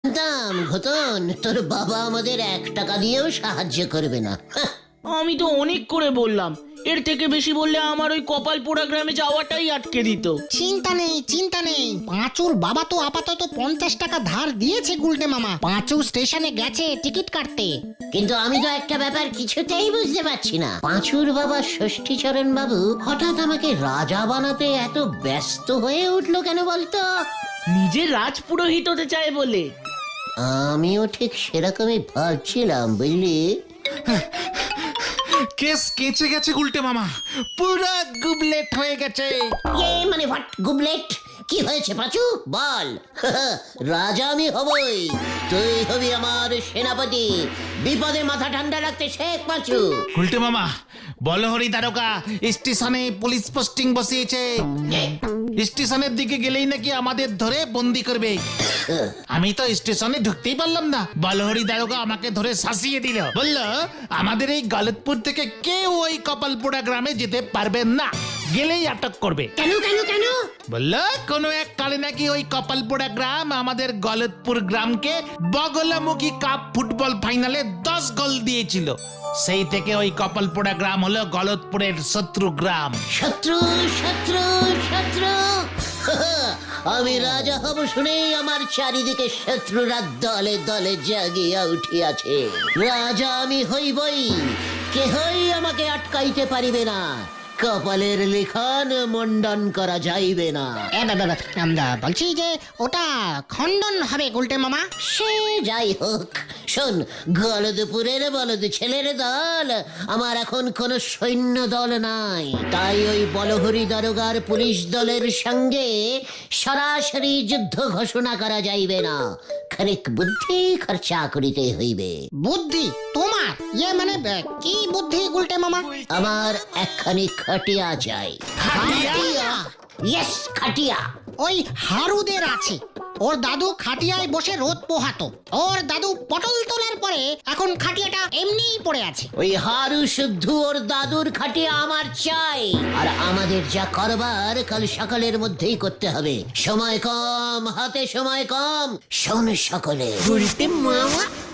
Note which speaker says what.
Speaker 1: দাম ঘটন, তোর বাবা আমাদের 1 টাকা দিয়েও সাহায্য করবে না।
Speaker 2: আমি তো অনেক করে বললাম, এর থেকে বেশি বললে আমার ওই কপালপোড়া গ্রামে যাওয়াটাই আটকে দিত।
Speaker 3: চিন্তা নেই, পাঁচুর বাবা তো আপাতত 50 টাকা ধার দিয়েছে গুলটে মামা। পাঁচু স্টেশনে গেছে টিকিট কাটতে।
Speaker 1: কিন্তু আমি তো একটা ব্যাপার কিছুতেই বুঝতে পারছি না, পাঁচুর বাবা ষষ্ঠীচরণ বাবু হঠাৎ আমাকে রাজা বানাতে এত ব্যস্ত হয়ে উঠলো কেন বলতো?
Speaker 2: নিজের রাজপুরোহিত হতে চায় বলে।
Speaker 1: আমিও ঠিক সেরকমই ভাবছিলাম, বুঝলি।
Speaker 4: কেস কেচে গেছে গুলটে মামা, পুরো গুবলেট হয়ে গেছে।
Speaker 1: মানে হোয়াট গুবলেট? কি হয়েছে পাঁচু বল। রাজা আমি হবই, তুই হবি আমার সেনাপতি। বিপদে মাথা ঠান্ডা রাখতে শেখ পাঁচু।
Speaker 4: গুলটে মামা, বলহরি দারোগা স্টেশনে পুলিশ পোস্টিং বসিয়েছে। স্টেশনের দিকে গেলেই নাকি আমাদের ধরে বন্দি করবে। আমি তো স্টেশনে ঢুকতেই পারলাম না, বলহরি দারোগা আমাকে ধরে শাসিয়ে দিল। বলল আমাদের এই গলতপুর থেকে কেউ ওই কপালপোড়া গ্রামে যেতে পারবেন না, গেলেই আটক করবে।
Speaker 1: কেন কেন কেন?
Speaker 4: বলল কোনো এক কালে নাকি ওই কপালপোড়া গ্রাম আমাদের গলতপুর গ্রামকে বগলামুখী কাপ ফুটবল ফাইনালে 10 গোল দিয়েছিল। সেই থেকে ওই কপালপোড়া গ্রাম হলো গলতপুরের শত্রু গ্রাম।
Speaker 1: শত্রু শত্রু শত্রু। আমি রাজা হব শুনেই আমার চারিদিকে শত্রুরা দলে দলে জাগিয়া উঠিয়াছে। রাজা আমি হইবই, কেহই আমাকে আটকাইতে পারিবে না। কপালের লিখন মন্ডন করা যাইবে না।
Speaker 3: আমরা বলছি যে ওটা খণ্ডন হবে গুলটে মামা।
Speaker 1: সে যাই হোক, শোন, গলদপুরের বলদ ছেলের দল আমার এখন কোনো সৈন্য দল নাই। তাই ওই বলহরি দারোগার পুলিশ দলের সঙ্গে সরাসরি যুদ্ধ ঘোষণা করা যাইবে না। খানিক বুদ্ধি খরচা করিতে হইবে।
Speaker 3: বুদ্ধি তোমার? মানে কি বুদ্ধি গুলটে মামা?
Speaker 1: আমার একখানি খাটিয়া চাই। ইয়েস, খাটিয়া।
Speaker 3: ওই হারুদের আছে, ওর দাদু খাটিয়ায় বসে রোদ পোহাতো। ওর দাদু পটল তোলার পরে এখন খাটিয়াটা এমনিই পড়ে আছে।
Speaker 1: ওই হারু শুদ্ধ ওর দাদুর খাটিয়া আমার চাই। আর আমাদের যা করবার কাল সকালের মধ্যেই করতে হবে। সময় কম, হাতে সময় কম। শোন সকলে,
Speaker 2: গুলটে মামা